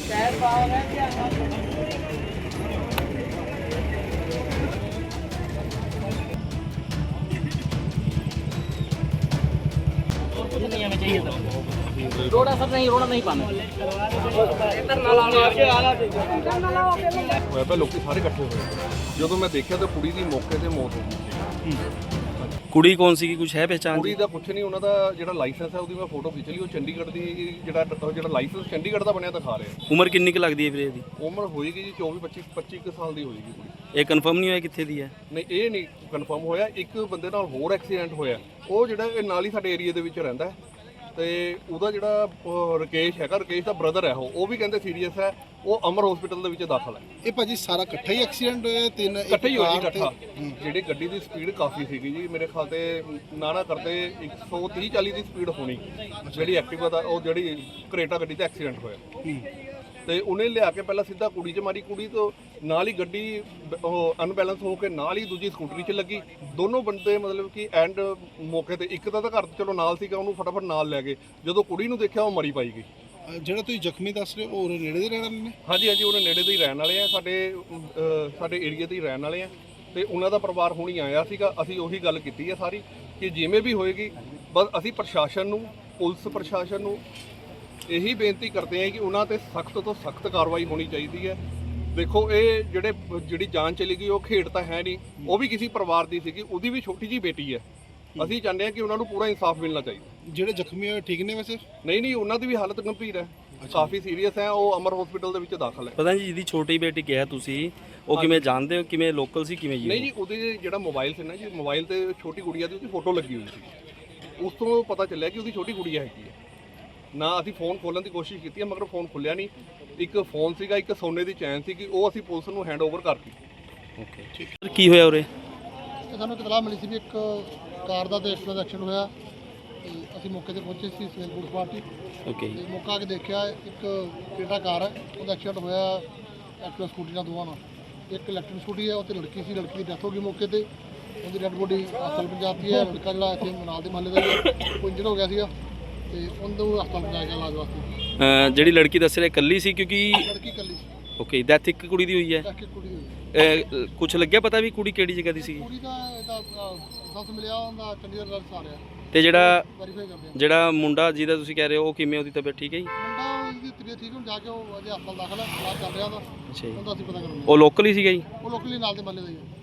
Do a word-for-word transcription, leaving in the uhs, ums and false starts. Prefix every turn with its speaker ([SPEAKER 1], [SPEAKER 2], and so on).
[SPEAKER 1] रोड़ा सर नहीं रोड़ा नहीं पाना
[SPEAKER 2] लोग सारे इकट्ठे होए जो मैं देखा तो कुड़ी की मौके पर मौत हो गई।
[SPEAKER 3] ਕੁੜੀ ਕੌਣ ਸੀ ਕੁਝ ਹੈ ਪਹਿਚਾਣ
[SPEAKER 2] ਕੁੜੀ ਦਾ ਕੁਛ ਨਹੀਂ, ਉਹਨਾਂ ਦਾ ਜਿਹੜਾ ਲਾਇਸੈਂਸ ਹੈ ਉਹਦੀ ਮੈਂ ਫੋਟੋ ਖਿੱਚ ਲਈ। ਉਹ ਚੰਡੀਗੜ੍ਹ ਦੀ ਜਿਹੜਾ ਜਿਹੜਾ ਲਾਇਸੈਂਸ ਚੰਡੀਗੜ੍ਹ ਦਾ ਬਣਿਆ ਦਿਖਾ ਰਿਹਾ।
[SPEAKER 3] ਉਮਰ ਕਿੰਨੀ ਕੁ ਲੱਗਦੀ ਹੈ ਵੀਰੇ ਇਹਦੀ?
[SPEAKER 2] ਉਮਰ ਹੋਏਗੀ ਜੀ ਚੌਵੀ ਪੱਚੀ ਪੱਚੀ ਕੁ ਸਾਲ ਦੀ ਹੋਏਗੀ ਕੁੜੀ।
[SPEAKER 3] ਇਹ ਕਨਫਰਮ ਨਹੀਂ ਹੋਇਆ ਕਿੱਥੇ ਦੀ ਹੈ?
[SPEAKER 2] ਨਹੀਂ ਇਹ ਨਹੀਂ ਕਨਫਰਮ ਹੋਇਆ। ਇੱਕ ਬੰਦੇ ਨਾਲ ਹੋਰ ਐਕਸੀਡੈਂਟ ਹੋਇਆ, ਉਹ ਜਿਹੜਾ ਇਹ ਨਾਲ ਹੀ ਸਾਡੇ ਏਰੀਆ ਦੇ ਵਿੱਚ ਰਹਿੰਦਾ ਤੇ ਉਹਦਾ ਜਿਹੜਾ ਰਕੇਸ਼ ਹੈਗਾ, ਰਕੇਸ਼ ਦਾ ਬ੍ਰਦਰ ਹੈ ਉਹ ਉਹ ਵੀ ਕਹਿੰਦੇ ਸੀਰੀਅਸ ਹੈ, ਉਹ ਅਮਰ ਹਸਪੀਟਲ ਦੇ ਵਿੱਚ ਦਾਖਲ ਹੈ।
[SPEAKER 4] ਇਹ ਭਾਜੀ ਸਾਰਾ ਇਕੱਠਾ ਹੀ ਐਕਸੀਡੈਂਟ ਹੋਇਆ? ਤਿੰਨ
[SPEAKER 2] ਇਕੱਠੇ ਹੀ ਹੋਇਆ ਜੀ ਇਕੱਠਾ। ਜਿਹੜੀ ਗੱਡੀ ਦੀ ਸਪੀਡ ਕਾਫੀ ਸੀਗੀ ਜੀ, ਮੇਰੇ ਖਿਆਲ ਤੇ ਨਾ ਨਾ ਕਰਦੇ ਇੱਕ ਸੌ ਤੀਹ ਚਾਲੀ ਦੀ ਸਪੀਡ ਹੋਣੀ ਜਿਹੜੀ ਐਕਟਿਵਾ ਦਾ, ਉਹ ਜਿਹੜੀ ਕਰੇਟਾ ਗੱਡੀ ਤੇ ਐਕਸੀਡੈਂਟ ਹੋਇਆ ਤੇ ਉਹਨੇ ਲਿਆ ਕੇ ਪਹਿਲਾਂ ਸਿੱਧਾ ਕੁੜੀ 'ਚ ਮਾਰੀ। ਕੁੜੀ ਤੋਂ ਨਾਲ ਹੀ ਗੱਡੀ ਉਹ ਅਨਬੈਲੈਂਸ ਹੋ ਕੇ ਨਾਲ ਹੀ ਦੂਜੀ ਸਕੂਟਰੀ 'ਚ ਲੱਗੀ। ਦੋਨੋਂ ਬੰਦੇ ਮਤਲਬ ਕਿ ਐਂਡ ਮੌਕੇ ਤੇ ਇੱਕ ਦਾ ਤਾਂ ਘਰ ਚਲੋ ਨਾਲ ਸੀਗਾ, ਉਹਨੂੰ ਫਟਾਫਟ ਨਾਲ ਲੈ ਗਏ। ਜਦੋਂ ਕੁੜੀ ਨੂੰ ਦੇਖਿਆ ਉਹ ਮਰੀ ਪਾਈ ਗਈ।
[SPEAKER 4] ਜਿਹੜਾ ਤੁਸੀਂ ਜ਼ਖਮੀ ਦੱਸ ਰਹੇ ਹੋ ਉਹ ਨੇੜੇ ਦੇ ਰਹਿਣ ਵਾਲੇ ਨੇ?
[SPEAKER 2] ਹਾਂਜੀ ਹਾਂਜੀ, ਉਹਨੇ ਨੇੜੇ ਦੇ ਹੀ ਰਹਿਣ ਵਾਲੇ ਆ, ਸਾਡੇ ਸਾਡੇ ਏਰੀਆ ਦੇ ਹੀ ਰਹਿਣ ਵਾਲੇ ਆ ਤੇ ਉਹਨਾਂ ਦਾ ਪਰਿਵਾਰ ਹੁਣੀ ਆਇਆ ਸੀਗਾ। ਅਸੀਂ ਉਹੀ ਗੱਲ ਕੀਤੀ ਹੈ ਸਾਰੀ ਕਿ ਜਿਵੇਂ ਵੀ ਹੋਏਗੀ ਬਸ ਅਸੀਂ ਪ੍ਰਸ਼ਾਸਨ ਨੂੰ, ਪੁਲਿਸ ਪ੍ਰਸ਼ਾਸਨ ਨੂੰ ਇਹੀ ਬੇਨਤੀ ਕਰਦੇ ਹਾਂ ਕਿ ਉਹਨਾਂ ਤੇ ਸਖਤ ਤੋਂ ਸਖਤ ਕਾਰਵਾਈ ਹੋਣੀ ਚਾਹੀਦੀ ਹੈ। ਦੇਖੋ ਇਹ ਜਿਹੜੇ ਜਿਹੜੀ ਜਾਨ ਚਲੀ ਗਈ ਉਹ ਖੇਡ ਤਾਂ ਹੈ ਨਹੀਂ, ਉਹ ਵੀ ਕਿਸੇ ਪਰਿਵਾਰ ਦੀ ਸੀਗੀ, ਉਹਦੀ ਵੀ ਛੋਟੀ ਜਿਹੀ ਬੇਟੀ ਹੈ। ਅਸੀਂ ਚਾਹੁੰਦੇ ਹਾਂ ਕਿ ਉਹਨਾਂ ਨੂੰ ਪੂਰਾ ਇਨਸਾਫ ਮਿਲਣਾ ਚਾਹੀਦਾ।
[SPEAKER 4] ਜਿਹੜੇ ਜ਼ਖਮੀ ਹੋਏ ਠੀਕ ਨੇ ਵੈਸੇ?
[SPEAKER 2] ਨਹੀਂ ਨਹੀਂ, ਉਹਨਾਂ ਦੀ ਵੀ ਹਾਲਤ ਗੰਭੀਰ ਹੈ, ਕਾਫੀ ਸੀਰੀਅਸ ਹੈ, ਉਹ ਅਮਰ ਹਸਪੀਟਲ ਦੇ ਵਿੱਚ ਦਾਖਲ ਹੈ।
[SPEAKER 3] ਪਤਾ ਨਹੀਂ ਜਿਹਦੀ ਛੋਟੀ ਬੇਟੀ ਕਿਹਾ ਤੁਸੀਂ, ਉਹ ਕਿਵੇਂ ਜਾਣਦੇ ਹੋ, ਕਿਵੇਂ ਲੋਕਲ ਸੀ ਕਿਵੇਂ ਜੀ?
[SPEAKER 2] ਨਹੀਂ ਜੀ, ਉਹਦੇ ਜਿਹੜਾ ਮੋਬਾਈਲ ਸੀ ਨਾ ਜੀ, ਮੋਬਾਈਲ ਤੇ ਛੋਟੀ ਗੁੜੀਆ ਦੀ ਉਹਦੀ ਫੋਟੋ ਲੱਗੀ ਹੋਈ ਸੀ। ਉਸ ਤੋਂ ਪਤਾ ਚੱਲਿਆ ਕਿ ਉਹਦੀ ਛੋਟੀ ਗੁੜੀਆ ਹੈਗੀ ਹੈ। ਨਾ ਅਸੀਂ ਫੋਨ ਖੋਲ੍ਹਣ ਦੀ ਕੋਸ਼ਿਸ਼ ਕੀਤੀ ਹੈ ਮਗਰ ਫੋਨ ਖੁੱਲਿਆ ਨਹੀਂ। ਇੱਕ ਫੋਨ ਸੀਗਾ, ਇੱਕ ਸੋਨੇ ਦੀ ਚੈਨ ਸੀਗੀ, ਉਹ ਅਸੀਂ ਪੁਲਿਸ ਨੂੰ ਹੈਂਡ ਓਵਰ ਕਰਤੀ।
[SPEAKER 3] ਓਕੇ ਠੀਕ। ਕੀ ਹੋਇਆ ਉਰੇ?
[SPEAKER 5] ਸਾਨੂੰ ਇਤਲਾਹ ਮਿਲੀ ਸੀ ਵੀ ਇੱਕ ਕਾਰ ਦਾ ਤੇ ਐਕਸੀਡੈਂਟ ਐਕਸੀਡੈਂਟ ਹੋਇਆ ਤੇ ਅਸੀਂ ਮੌਕੇ ਤੇ ਪਹੁੰਚੇ ਸੀ, ਸਿਵਲ ਪੁਲਿਸ ਪਾਰਟੀ।
[SPEAKER 3] ਓਕੇ।
[SPEAKER 5] ਤੇ ਮੌਕਾ ਆ ਕੇ ਦੇਖਿਆ ਇੱਕ ਕ੍ਰੇਟਾ ਕਾਰ ਹੈ, ਉਹਦਾ ਐਕਸੀਡੈਂਟ ਹੋਇਆ ਐਕਟਿਵਾ ਸਕੂਟੀ ਨਾਲ ਦੋਵਾਂ ਨਾਲ। ਇੱਕ ਇਲੈਕਟ੍ਰਿਕ ਸਕੂਟੀ ਹੈ, ਉਹ 'ਤੇ ਲੜਕੀ ਸੀ, ਲੜਕੀ ਦੀ ਡੈਥ ਹੋ ਗਈ ਮੌਕੇ ਤੇ। ਉਹਦੀ ਡੈਡ ਬੋਡੀ ਹਸਪਤਾਲ ਪੰਜਾਬ ਦੀ ਹੈ। ਲੜਕਾ ਜਿਹੜਾ ਇੱਥੇ ਮਨਾਲ ਦੇ ਮਹੱਲੇ ਦਾ ਉਹ ਇੰਜਰ ਹੋ ਗਿਆ ਸੀਗਾ ਤੇ ਉਹਨੂੰ ਹਸਪਤਾਲ ਪਹੁੰਚਾਇਆ ਗਿਆ ਇਲਾਜ ਵਾਸਤੇ।
[SPEAKER 3] ਜਿਹੜੀ ਲੜਕੀ ਦੱਸ ਰਿਹਾ ਇਕੱਲੀ ਸੀ ਕਿਉਂਕਿ?
[SPEAKER 5] ਲੜਕੀ ਇਕੱਲੀ ਸੀ।
[SPEAKER 3] ਓਕੇ। ਡੈਥ ਇੱਕ ਕੁੜੀ ਦੀ ਹੋਈ ਹੈ?
[SPEAKER 5] ਇੱਕ ਕੁੜੀ ਹੋਈ।
[SPEAKER 3] ਕੁਝ ਲੱਗਿਆ ਪਤਾ ਵੀ ਕੁੜੀ ਕਿਹੜੀ ਜਗ੍ਹਾ ਦੀ ਸੀਗੀ?
[SPEAKER 5] ਕੁੜੀ ਦਾ ਇਹਦਾ ਸੱਸ ਮਿਲਿਆ, ਉਹਦਾ ਚੰਡੀਗੜ੍ਹ ਦਾ ਆ ਰਿਹਾ
[SPEAKER 3] ਤੇ ਜਿਹੜਾ
[SPEAKER 5] ਵੈਰੀਫਾਈ ਕਰਦੇ ਆ।
[SPEAKER 3] ਜਿਹੜਾ ਮੁੰਡਾ ਜਿਹਦਾ ਤੁਸੀਂ ਕਹਿ ਰਹੇ ਹੋ ਉਹ ਕਿਵੇਂ, ਉਹਦੀ ਤਬੀਅਤ ਠੀਕ ਹੈ ਜੀ?
[SPEAKER 5] ਮੁੰਡਾ ਉਹਦੀ ਤਬੀਅਤ ਠੀਕ ਹੁਣ ਜਾ ਕੇ ਉਹ ਅਜੇ ਹਸਪਤਾਲ ਦਾਖਲ ਹੈ, ਇਲਾਜ ਚੱਲ ਰਿਹਾ ਉਹਦਾ।
[SPEAKER 3] ਅੱਛਾ ਜੀ।
[SPEAKER 5] ਉਹਦਾ ਅਸੀਂ ਪਤਾ ਕਰਾਂਗੇ।
[SPEAKER 3] ਉਹ ਲੋਕਲ ਹੀ ਸੀਗਾ ਜੀ?
[SPEAKER 5] ਉਹ ਲੋਕਲੀ ਨਾਲ ਦੇ ਮਹੱਲੇ ਦਾ ਹੀ ਹੈ।